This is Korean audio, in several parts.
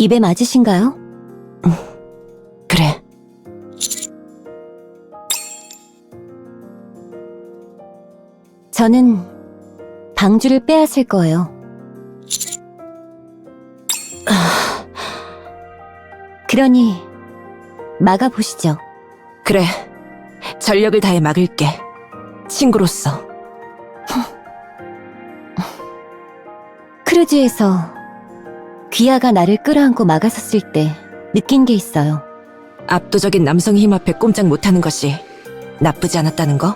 입에 맞으신가요? 그래. 저는 방주를 빼앗을 거예요. 그러니 막아보시죠. 그래. 전력을 다해 막을게. 친구로서. 크루즈에서 귀하가 나를 끌어안고 막아섰을 때 느낀 게 있어요. 압도적인 남성 힘 앞에 꼼짝 못하는 것이 나쁘지 않았다는 거?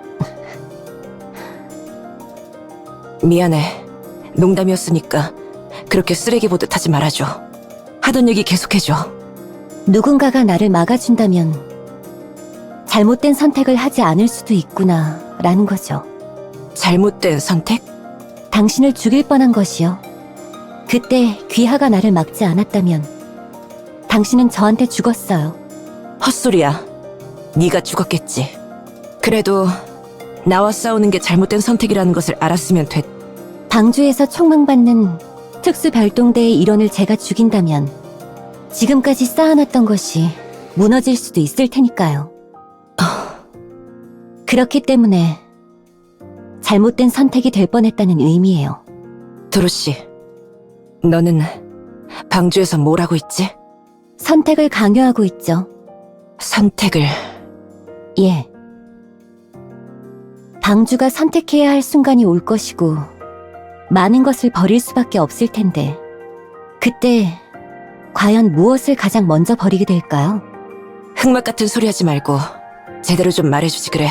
미안해. 농담이었으니까 그렇게 쓰레기 보듯 하지 말아줘. 하던 얘기 계속해줘. 누군가가 나를 막아준다면 잘못된 선택을 하지 않을 수도 있구나 라는 거죠. 잘못된 선택? 당신을 죽일 뻔한 것이요. 그때 귀하가 나를 막지 않았다면 당신은 저한테 죽었어요. 헛소리야. 네가 죽었겠지. 그래도 나와 싸우는 게 잘못된 선택이라는 것을 알았으면 됐. 방주에서 총망받는 특수별동대의 일원을 제가 죽인다면 지금까지 쌓아놨던 것이 무너질 수도 있을 테니까요. 그렇기 때문에 잘못된 선택이 될 뻔했다는 의미예요. 도로시, 너는 방주에서 뭘 하고 있지? 선택을 강요하고 있죠. 선택을. 예. 방주가 선택해야 할 순간이 올 것이고 많은 것을 버릴 수밖에 없을 텐데 그때 과연 무엇을 가장 먼저 버리게 될까요? 흑막 같은 소리 하지 말고 제대로 좀 말해주지 그래.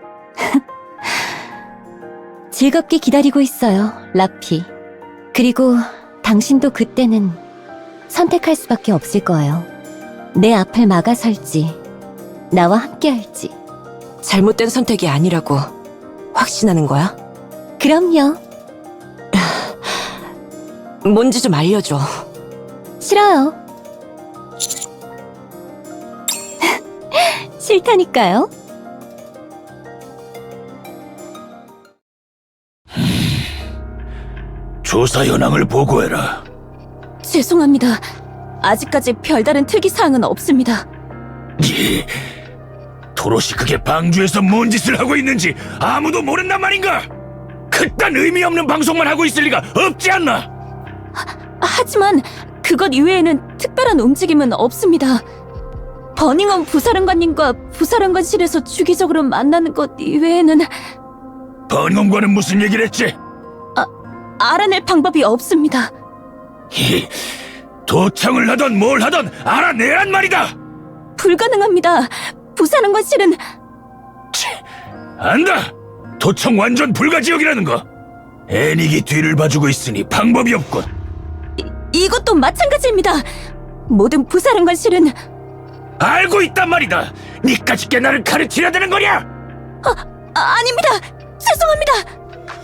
즐겁게 기다리고 있어요, 라피. 그리고 당신도 그때는 선택할 수밖에 없을 거예요. 내 앞을 막아설지, 나와 함께 할지. 잘못된 선택이 아니라고 확신하는 거야? 그럼요. 뭔지 좀 알려줘. 싫어요. 싫다니까요. 조사 현황을 보고해라. 죄송합니다. 아직까지 별다른 특이사항은 없습니다. 도로시 그게 방주에서 뭔 짓을 하고 있는지 아무도 모른단 말인가? 그딴 의미 없는 방송만 하고 있을 리가 없지 않나? 하지만 그것 이외에는 특별한 움직임은 없습니다. 버닝엄 부사령관님과 부사령관실에서 주기적으로 만나는 것 이외에는 번검과는 무슨 얘기를 했지? 알아낼 방법이 없습니다. 도청을 하던 뭘 하던 알아내란 말이다! 불가능합니다. 부사령관실은 안다! 도청 완전 불가지역이라는 거! 애닉이 뒤를 봐주고 있으니 방법이 없군. 이것도 마찬가지입니다. 모든 부사령관실은 알고 있단 말이다! 니까짓 게 나를 가르치려 드는 거냐? 아닙니다. 죄송합니다.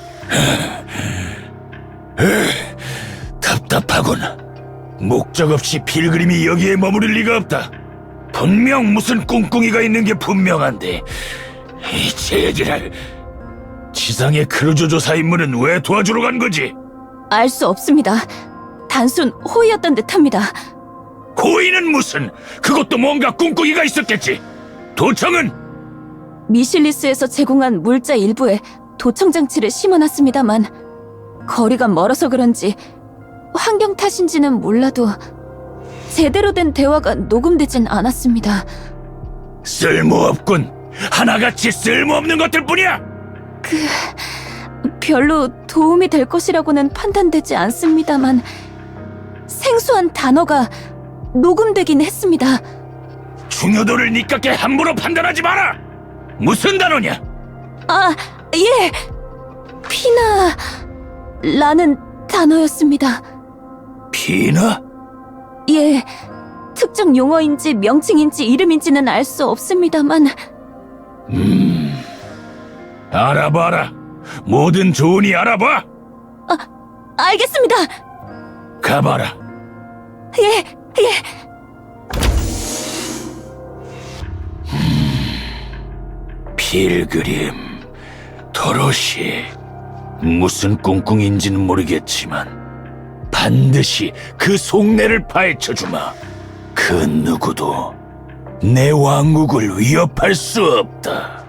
답답하군. 목적 없이 필그림이 여기에 머무를 리가 없다. 분명 무슨 꿍꿍이가 있는 게 분명한데 이 쟤들을 지상의 크루즈 조사 임무는 왜 도와주러 간 거지? 알 수 없습니다. 단순 호의였던 듯합니다. 호의는 무슨? 그것도 뭔가 꿍꿍이가 있었겠지. 도청은 미실리스에서 제공한 물자 일부에 도청 장치를 심어놨습니다만 거리가 멀어서 그런지 환경 탓인지는 몰라도 제대로 된 대화가 녹음되진 않았습니다. 쓸모없군. 하나같이 쓸모없는 것들 뿐이야. 별로 도움이 될 것이라고는 판단되지 않습니다만 생소한 단어가 녹음되긴 했습니다. 중요도를 니깎게 함부로 판단하지 마라. 무슨 단어냐? 아, 예! 피나라는 단어였습니다. 피나? 예, 특정 용어인지 명칭인지 이름인지는 알 수 없습니다만 알아봐라. 뭐든 좋으니 알아봐. 알겠습니다. 가봐라. 예. 필그림, 도로시. 무슨 꿍꿍인지는 모르겠지만 반드시 그 속내를 파헤쳐주마. 그 누구도 내 왕국을 위협할 수 없다.